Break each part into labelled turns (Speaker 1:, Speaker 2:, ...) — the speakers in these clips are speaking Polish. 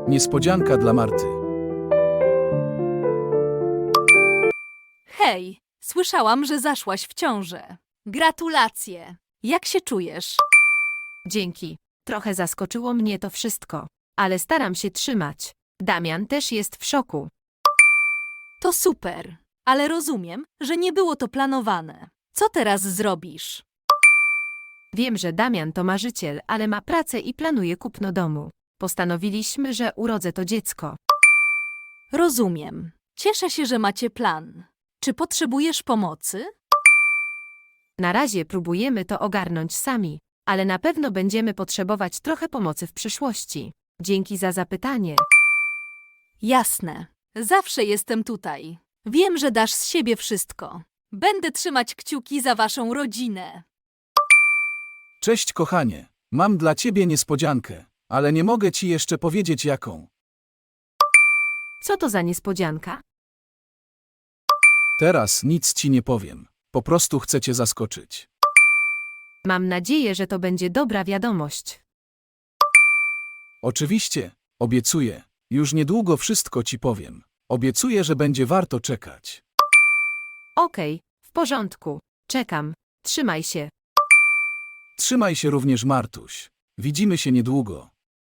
Speaker 1: Niespodzianka dla Marty.
Speaker 2: Hej, słyszałam, że zaszłaś w ciążę. Gratulacje. Jak się czujesz?
Speaker 3: Dzięki. Trochę zaskoczyło mnie to wszystko, ale staram się trzymać. Damian też jest w szoku.
Speaker 2: To super, ale rozumiem, że nie było to planowane. Co teraz zrobisz?
Speaker 3: Wiem, że Damian to marzyciel, ale ma pracę i planuje kupno domu. Postanowiliśmy, że urodzę to dziecko.
Speaker 2: Rozumiem. Cieszę się, że macie plan. Czy potrzebujesz pomocy?
Speaker 3: Na razie próbujemy to ogarnąć sami, ale na pewno będziemy potrzebować trochę pomocy w przyszłości. Dzięki za zapytanie.
Speaker 2: Jasne. Zawsze jestem tutaj. Wiem, że dasz z siebie wszystko. Będę trzymać kciuki za waszą rodzinę.
Speaker 1: Cześć kochanie, mam dla ciebie niespodziankę, ale nie mogę ci jeszcze powiedzieć jaką.
Speaker 3: Co to za niespodzianka?
Speaker 1: Teraz nic ci nie powiem. Po prostu chcę cię zaskoczyć.
Speaker 3: Mam nadzieję, że to będzie dobra wiadomość.
Speaker 1: Oczywiście, obiecuję. Już niedługo wszystko ci powiem. Obiecuję, że będzie warto czekać.
Speaker 3: Okej, w porządku. Czekam. Trzymaj się.
Speaker 1: Trzymaj się również, Martuś. Widzimy się niedługo.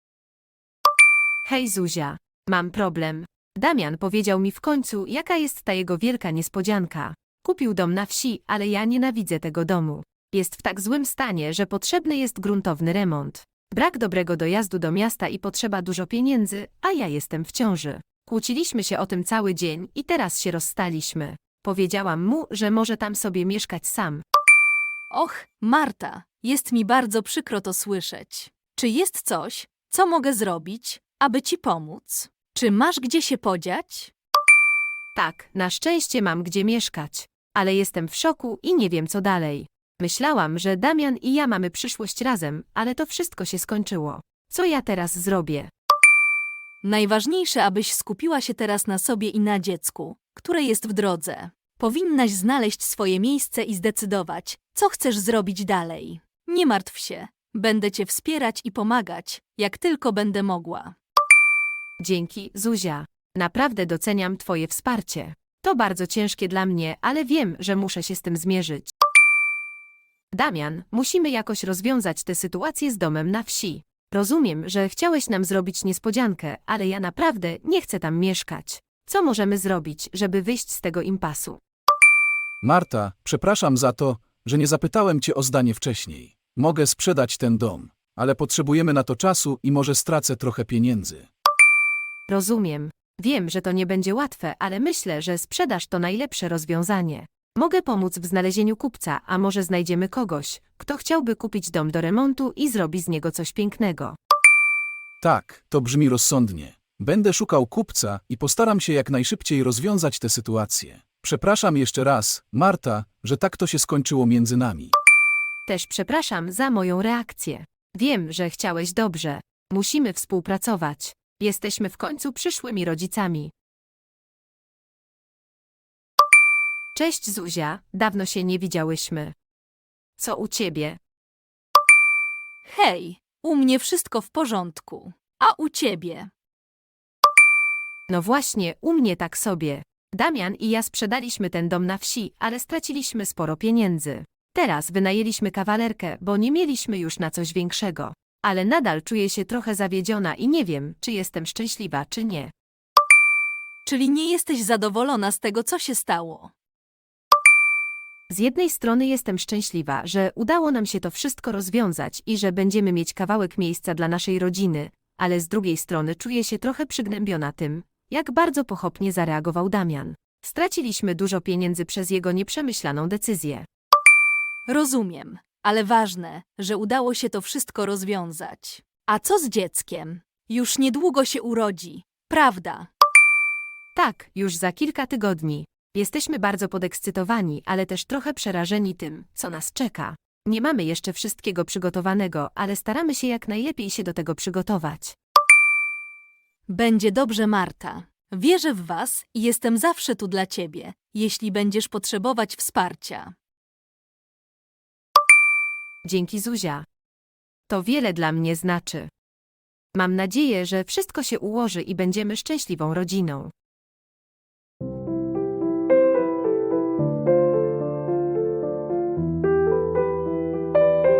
Speaker 3: Hej Zuzia, mam problem. Damian powiedział mi w końcu, jaka jest ta jego wielka niespodzianka. Kupił dom na wsi, ale ja nienawidzę tego domu. Jest w tak złym stanie, że potrzebny jest gruntowny remont. Brak dobrego dojazdu do miasta i potrzeba dużo pieniędzy, a ja jestem w ciąży. Kłóciliśmy się o tym cały dzień i teraz się rozstaliśmy. Powiedziałam mu, że może tam sobie mieszkać sam.
Speaker 2: Och, Marta, jest mi bardzo przykro to słyszeć. Czy jest coś, co mogę zrobić, aby ci pomóc? Czy masz gdzie się podziać?
Speaker 3: Tak, na szczęście mam gdzie mieszkać. Ale jestem w szoku i nie wiem co dalej. Myślałam, że Damian i ja mamy przyszłość razem, ale to wszystko się skończyło. Co ja teraz zrobię?
Speaker 2: Najważniejsze, abyś skupiła się teraz na sobie i na dziecku, które jest w drodze. Powinnaś znaleźć swoje miejsce i zdecydować, co chcesz zrobić dalej. Nie martw się. Będę cię wspierać i pomagać, jak tylko będę mogła.
Speaker 3: Dzięki, Zuzia. Naprawdę doceniam twoje wsparcie. To bardzo ciężkie dla mnie, ale wiem, że muszę się z tym zmierzyć. Damian, musimy jakoś rozwiązać tę sytuację z domem na wsi. Rozumiem, że chciałeś nam zrobić niespodziankę, ale ja naprawdę nie chcę tam mieszkać. Co możemy zrobić, żeby wyjść z tego impasu?
Speaker 1: Marta, przepraszam za to, że nie zapytałem cię o zdanie wcześniej. Mogę sprzedać ten dom, ale potrzebujemy na to czasu i może stracę trochę pieniędzy.
Speaker 3: Rozumiem. Wiem, że to nie będzie łatwe, ale myślę, że sprzedaż to najlepsze rozwiązanie. Mogę pomóc w znalezieniu kupca, a może znajdziemy kogoś, kto chciałby kupić dom do remontu i zrobi z niego coś pięknego.
Speaker 1: Tak, to brzmi rozsądnie. Będę szukał kupca i postaram się jak najszybciej rozwiązać tę sytuację. Przepraszam jeszcze raz, Marta, że tak to się skończyło między nami.
Speaker 3: Też przepraszam za moją reakcję. Wiem, że chciałeś dobrze. Musimy współpracować. Jesteśmy w końcu przyszłymi rodzicami. Cześć Zuzia, dawno się nie widziałyśmy. Co u ciebie?
Speaker 2: Hej, u mnie wszystko w porządku. A u ciebie?
Speaker 3: No właśnie, u mnie tak sobie. Damian i ja sprzedaliśmy ten dom na wsi, ale straciliśmy sporo pieniędzy. Teraz wynajęliśmy kawalerkę, bo nie mieliśmy już na coś większego. Ale nadal czuję się trochę zawiedziona i nie wiem, czy jestem szczęśliwa, czy nie.
Speaker 2: Czyli nie jesteś zadowolona z tego, co się stało?
Speaker 3: Z jednej strony jestem szczęśliwa, że udało nam się to wszystko rozwiązać i że będziemy mieć kawałek miejsca dla naszej rodziny, ale z drugiej strony czuję się trochę przygnębiona tym, jak bardzo pochopnie zareagował Damian. Straciliśmy dużo pieniędzy przez jego nieprzemyślaną decyzję.
Speaker 2: Rozumiem, ale ważne, że udało się to wszystko rozwiązać. A co z dzieckiem? Już niedługo się urodzi, prawda?
Speaker 3: Tak, już za kilka tygodni. Jesteśmy bardzo podekscytowani, ale też trochę przerażeni tym, co nas czeka. Nie mamy jeszcze wszystkiego przygotowanego, ale staramy się jak najlepiej się do tego przygotować.
Speaker 2: Będzie dobrze, Marta. Wierzę w was i jestem zawsze tu dla ciebie, jeśli będziesz potrzebować wsparcia.
Speaker 3: Dzięki Zuzia. To wiele dla mnie znaczy. Mam nadzieję, że wszystko się ułoży i będziemy szczęśliwą rodziną.